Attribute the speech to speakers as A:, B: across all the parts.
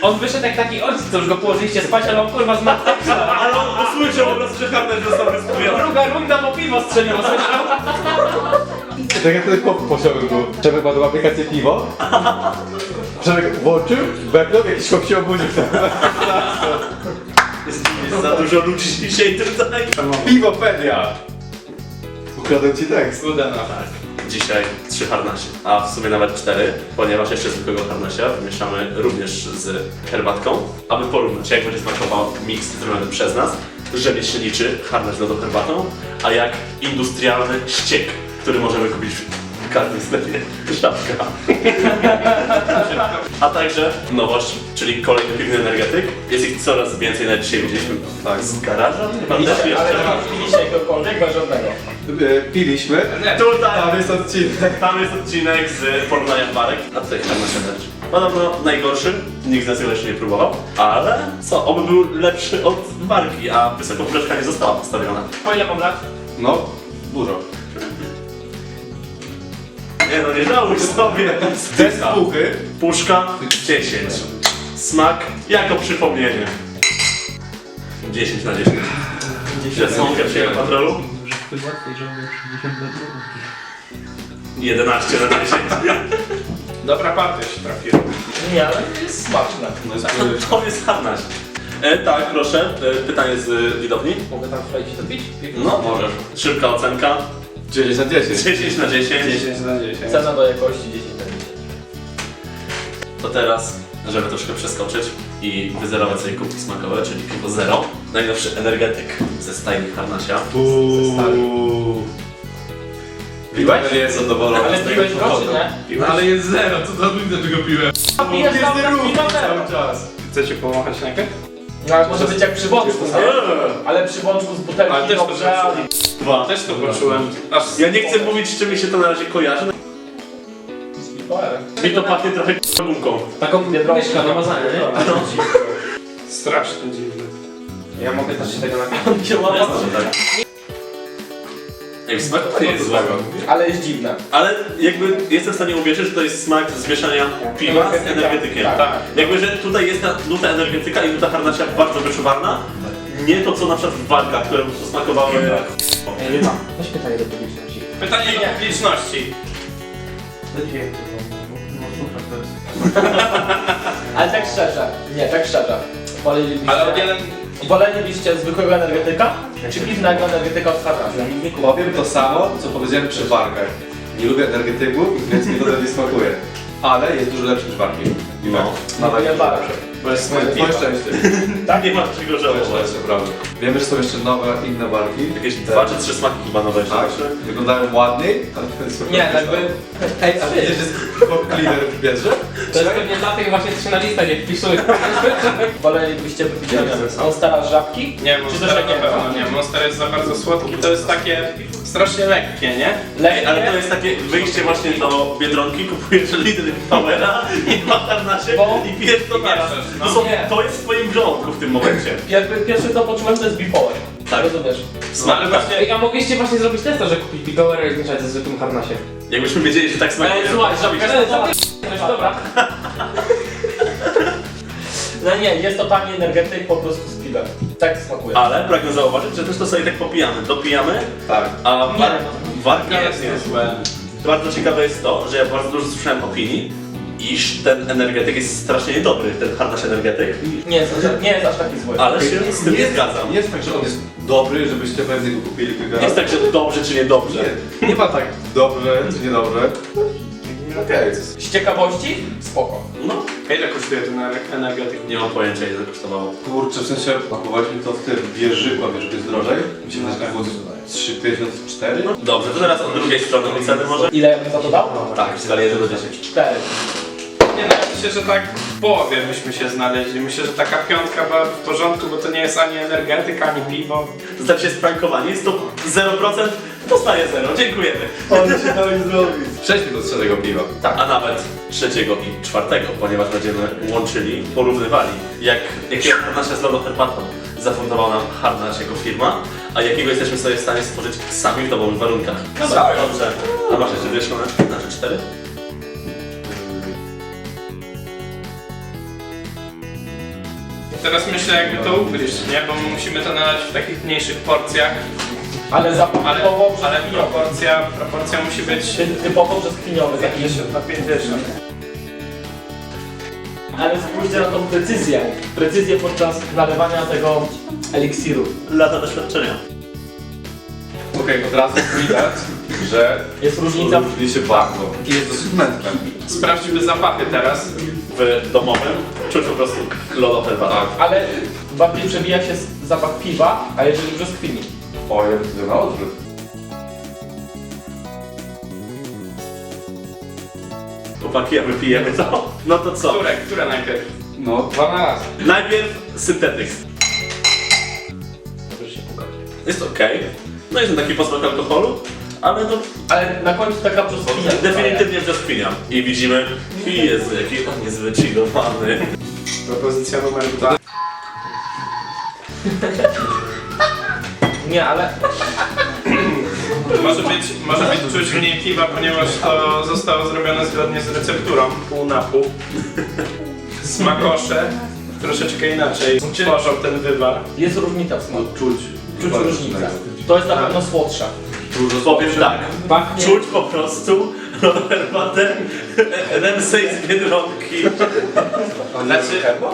A: On wyszedł jak taki ojciec, co już go położyliście spać, ale on kurwa zmarł.
B: Ale on usłyszał po prostu, że harnaś został wyskupiony.
A: Druga runda, bo piwo strzeliło, słyszał?
C: Tak jak ten chłop posiadł był. Przemek ma tą aplikację piwo. Przemek włączył, beknął, jakiś chłop się obudził.
B: Jest za dużo ludzi dzisiaj tutaj.
C: Piwopedia! Ukradłem ci tekst.
A: Udana.
B: Dzisiaj 3 harnasie, a w sumie nawet 4, ponieważ jeszcze zwykłego harnasia wymieszamy również z herbatką, aby porównać, jak będzie smakował miks zrobiony przez nas, że nie się liczy harnaś z lodą herbatą, a jak industrialny ściek, który możemy kupić w każdym sklepie. Szapka. A także nowość, czyli kolejny piwny energetyk. Jest ich coraz więcej, nawet dzisiaj widzieliśmy z garaża. Chyba też
A: Ale
B: jeszcze.
A: piliście jakiegokolwiek, bez żadnego.
C: Piliśmy.
B: Tutaj
C: Tam jest odcinek.
B: Tam jest odcinek z porównaniem marek, a tutaj harnaś też. Podobno najgorszy, nikt z nas go jeszcze nie próbował, ale co, oby był lepszy od marki, a wysoka poprzeczka nie została postawiona.
A: Po ile mam lat?
C: No, dużo.
B: Nie no, nie żałuj sobie.
C: Bez puchy.
B: Puszka 10. Smak jako przypomnienie. 10 na 10. Przesłonkę przyjęłem patrolu. 11 na 10.
A: Dobra partia się trafiła. Nie, ale jest smaczne.
B: To jest harnaś. Tak, proszę. Pytanie z widowni.
A: Mogę tam wejść to pić?
B: No, możesz. Szybka ocenka.
C: 10 na 10.
B: 10 na 10.
C: 10 na 10.
A: Cena do jakości 10 na 10.
B: To teraz, żeby troszkę przeskoczyć i wyzerować sobie kubki smakowe, czyli piwo zero. Najnowszy energetyk ze stajni harnasia.
C: Piłeś? Nie jest zadowolony.
A: Ale piłeś go, czy nie?
B: Piłeś?
D: Ale jest zero, co za ludzie tego piłem?
A: Pijesz cały czas piwo zero.
C: czas.
D: Chcecie pomachać rękę?
A: No ale może być jak przy bączku, nie? Ale przy bączku z butelki
D: Ale też to
A: dobrze, ale...
B: Dwa.
D: Też to poczułem. Aż
B: Ja nie chcę mówić, z czym mi się to na razie kojarzy. Mi to pachnie trochę gumką.
A: Taką biedronkę na mazanie, nie?
D: strasznie dziwne.
A: Ja mogę też się tego napić.
B: Jak smak to nie jest złego.
A: Ale jest dziwne.
B: Ale jakby jestem w stanie uwierzyć, że to jest smak zmieszania piwa z energetykiem.
A: Tak.
B: Jakby, że tutaj jest ta nuta energetyka i nuta harnasia bardzo wyczuwalna. Nie to co na przykład w walkach, które po prostu smakowały.
A: Weź pytanie do publiczności.
D: Pytanie do publiczności.
A: Ale tak szczerze, nie, tak szczerze. Wolelibyście,
D: Ale od jeden...
A: wolelibyście zwykłego energetyka, czy piwnego energetyka od harnasia?
C: Powiem to samo, co powiedziałem przy warkach. Nie lubię energetyków, więc mi to nie smakuje. Ale jest dużo lepszy niż warki.
B: No.
A: No nie bardzo.
C: Bo jest moje szczęście.
B: Tak, nie ma czego
C: Moje
B: żałować.
C: szczęście, prawda. Wiemy, że są jeszcze nowe, inne warki.
B: Jakieś 2 czy 3 smaki chyba nowe jeszcze.
C: Tak, wyglądają ładniej, ale to jest
A: Nie, jakby...
C: Ej, a wiecie, że jest cleaner w bierze?
A: To jest pewnie dla tych właśnie 3 na listę, nie wpisuję. Wolelibyście wypić Monstera z żabki?
D: Nie,
A: Czy
D: Monster
A: też
D: na
A: jak
D: pewno nie. Monster jest za bardzo słodki, to jest takie strasznie lekkie, nie?
B: Ej, ale to jest takie wyjście właśnie do Biedronki, kupujesz litr Powera i 2 harnasie i pijesz to naraz.
D: No.
B: To jest w twoim żołądku w tym momencie.
A: Pierwszy co poczułem to jest bipolar.
B: Tak.
A: Rozumiesz?
D: No, ale właśnie...
A: Ej, a mogliście właśnie zrobić testa, że kupić Bigowera i zmieszać ze zwykłym harnasiem.
B: Jakbyśmy wiedzieli, że tak smakuje.
A: Słuchaj, dobra. No nie, jest totalnie energetyk po prostu z piwem. Tak smakuje.
B: Ale pragnę zauważyć, że też to sobie tak popijamy. Dopijamy,
C: Tak.
B: a warka
D: Nie jest niezłe.
B: Bardzo ciekawe jest to, że ja bardzo dużo słyszałem opinii, iż ten energetyk jest strasznie niedobry, ten harnaś energetyk,
A: Nie jest aż taki zły.
B: ale się z tym nie zgadzam.
C: Nie jest tak, że on jest dobry, żebyście pewnie go kupili kilka
B: Nie jest
C: razy.
B: tak, że dobrze czy niedobrze.
C: Nie ma tak dobrze czy niedobrze. Okej.
A: Z ciekawości? Spoko.
B: No,
D: Ile kosztuje ten energetyk?
B: nie mam pojęcia ile to kosztowało.
C: Kurczę, w sensie pakowaliśmy to w tym wieżyku, a wieżyk jest drożej. Mi się wydaje, że było 3,54.
B: No, dobrze, to teraz od drugiej strony oceny może?
A: Ile ja bym za to dał?
B: Tak, w skali 1 do 10.
A: 4.
D: Nie no, ja myślę, że tak w połowie byśmy się znaleźli. Myślę, że taka piątka była w porządku, bo to nie jest ani energetyk, ani piwo.
B: Zostać się sprankowani, jest to 0%, dostaje 0, dziękujemy.
C: Ale się dali zrobić. Przejdźmy do trzeciego piwa.
B: Tak, a nawet trzeciego i czwartego, ponieważ będziemy łączyli, porównywali, jakiego harnasia z lodą herbatą zafundował nam harnaś jako firma, a jakiego jesteśmy sobie w stanie stworzyć sami w domowych warunkach.
A: Dobra.
B: Dobrze. A masz jeszcze dwie szklane? Znaczy 4?
D: Teraz myślę jakby to ugryźć, nie? Bo musimy to nalać w takich mniejszych porcjach.
A: Ale zapachowo
D: Ale proporcja musi być
A: typowo brzoskwiniowy.
D: 50 na 50.
A: Ale spójrzcie na tą precyzję. Precyzję podczas nalewania tego eliksiru.
B: Lata doświadczenia.
C: Okej, od razu widać, że
A: Jest różnica.
C: różni się bardzo. I jest dosyć mętne.
D: Sprawdźmy zapachy teraz.
B: W domowym czuć po prostu lodoherbatę.
C: Tak.
A: Ale bardziej przebija się zapach piwa, a jeżeli brzoskwini.
C: O, ja widzę na odwrót.
B: Chłopaki, a wypijemy to? No to co?
D: Które najpierw?
C: No, 12.
B: Najpierw syntetyk.
A: Możesz się pukać.
B: Jest okej. No jest taki posmak alkoholu, ale no
A: Ale na końcu taka brzoskwinia.
B: definitywnie brzoskwinia. I widzimy, Jezu, jaki on jest wychillowany.
D: Propozycja numer 2.
A: Nie, ale
D: Może być czuć mniej piwa, ponieważ to zostało zrobione zgodnie z recepturą, pół na pół. Smakosze troszeczkę inaczej tworzą ten wywar.
A: jest różnica w smaku.
C: Czuć.
A: Czuć różnicę. To jest na pewno słodsze.
B: Powiem tak,
A: Pachnie...
B: czuć po prostu herbatę Ramsay z Biedronki.
D: Znaczy,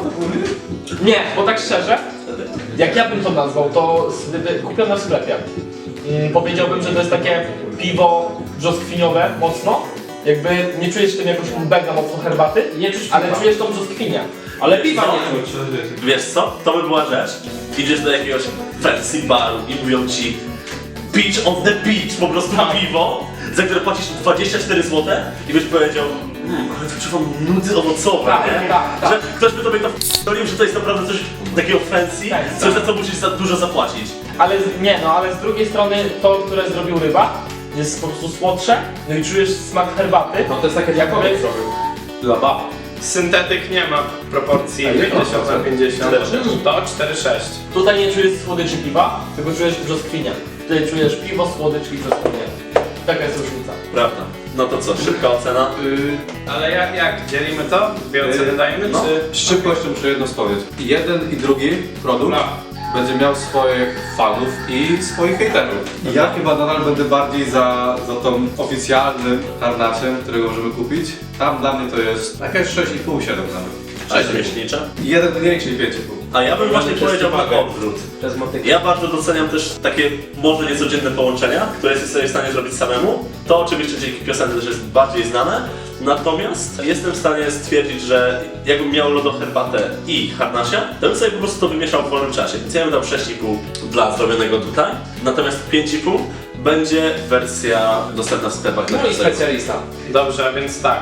A: Nie, bo tak szczerze, jak ja bym to nazwał, to kupione w sklepie. Powiedziałbym, że to jest takie piwo brzoskwiniowe mocno. Jakby nie czujesz w tym jakoś mega mocno herbaty,
C: Nie czuć
A: ale
C: piwa.
A: czujesz tą brzoskwinię. Ale piwa nie czuć.
B: Wiesz co? To by była rzecz. Idziesz do jakiegoś fancy baru i mówią ci Beach on the beach, po prostu piwo, za które płacisz 24 zł i byś powiedział ale to czuwam nudy owocowe,
A: Tak,
B: nie?
A: tak.
B: Że ktoś by tobie to f***olił, że to jest naprawdę coś takiego fancy,
A: Tak,
B: coś za co musisz za dużo zapłacić.
A: Ale nie, no ale z drugiej strony to, które zrobił ryba, jest po prostu słodsze, no i czujesz smak herbaty.
C: No to jest takie
A: Jakby-
C: jakby zrobił. Dla bab.
D: syntetyk nie ma proporcji
C: A ile
D: 50 na 50.
B: 4,6.
D: To 4,6.
A: Tutaj nie czujesz słodyczy piwa, tylko czujesz brzoskwinię. Tutaj czujesz piwo, słodycz i brzoskwinię. Taka jest różnica.
B: Prawda. No to co, szybka ocena?
D: Ale jak? Dzielimy to? Dwie oceny dajemy,
C: No,
D: czy...
C: z szybkością muszę jedno powiedzieć. I jeden i drugi produkt
D: No.
C: będzie miał swoich fanów i swoich hejterów. I ja chyba nadal będę bardziej za tą oficjalnym harnasiem, którego możemy kupić. Tam dla mnie to jest jakieś 6,5, 7 nawet.
B: Rzemieślnicza.
C: I jeden mniejszy i 5,5.
B: A ja bym właśnie powiedział na odwrót.
A: Przez motykę.
B: Ja bardzo doceniam też takie może niecodzienne połączenia, które jesteś sobie w stanie zrobić samemu. To oczywiście dzięki piosence też jest bardziej znane. Natomiast jestem w stanie stwierdzić, że jakbym miał lodoherbatę i harnasia, to bym sobie po prostu to wymieszał w wolnym czasie. Więc ja bym dał 6,5 dla zrobionego tutaj. Natomiast 5,5 będzie wersja dostępna w sklepach dla
A: No i
B: każdego.
A: specjalista.
D: Dobrze, a więc tak.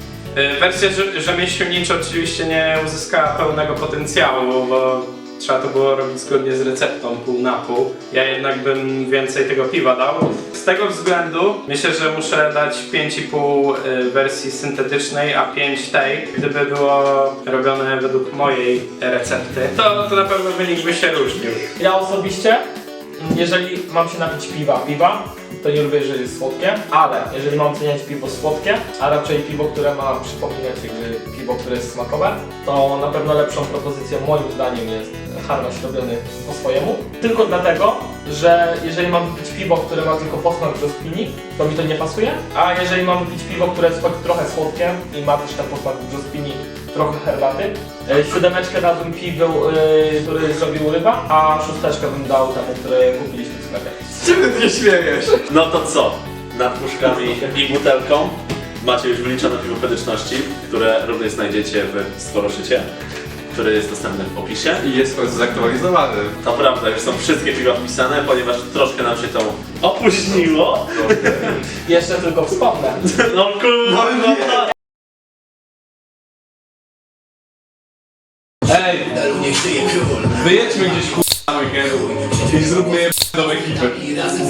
D: Wersja rzemieślnicza oczywiście nie uzyskała pełnego potencjału, bo trzeba to było robić zgodnie z receptą pół na pół. Ja jednak bym więcej tego piwa dał. Z tego względu myślę, że muszę dać 5,5 wersji syntetycznej, a 5 tej. Gdyby było robione według mojej recepty, to na pewno wynik by się różnił.
A: Ja osobiście, jeżeli mam się napić piwa, to nie lubię, jeżeli jest słodkie, ale jeżeli mam oceniać piwo słodkie, a raczej piwo, które ma przypominać jakby piwo, które jest smakowe, to na pewno lepszą propozycją moim zdaniem jest harnaś robiony po swojemu. Tylko dlatego, że jeżeli mam pić piwo, które ma tylko posmak brzoskwini, to mi to nie pasuje, a jeżeli mam pić piwo, które jest choć trochę słodkie i ma też ten posmak brzoskwini, trochę herbaty, 7 dałbym piwu, który zrobił ryba, a 6 bym dał temu, który kupiliśmy w sklepie.
C: Czym ty się śmiejesz?
B: No to co? Nad puszkami i butelką macie już wyliczone piwo pedyczności, które również znajdziecie w Stworoszycie, który jest dostępny w opisie.
C: I jest w końcu zaktualizowany.
B: To prawda, już są wszystkie piwa wpisane, ponieważ troszkę nam się to opóźniło.
A: Jeszcze tylko wspomnę.
B: No kurwa!
C: Ej! Wyjedźmy gdzieś na weekend i zróbmy do ekipy.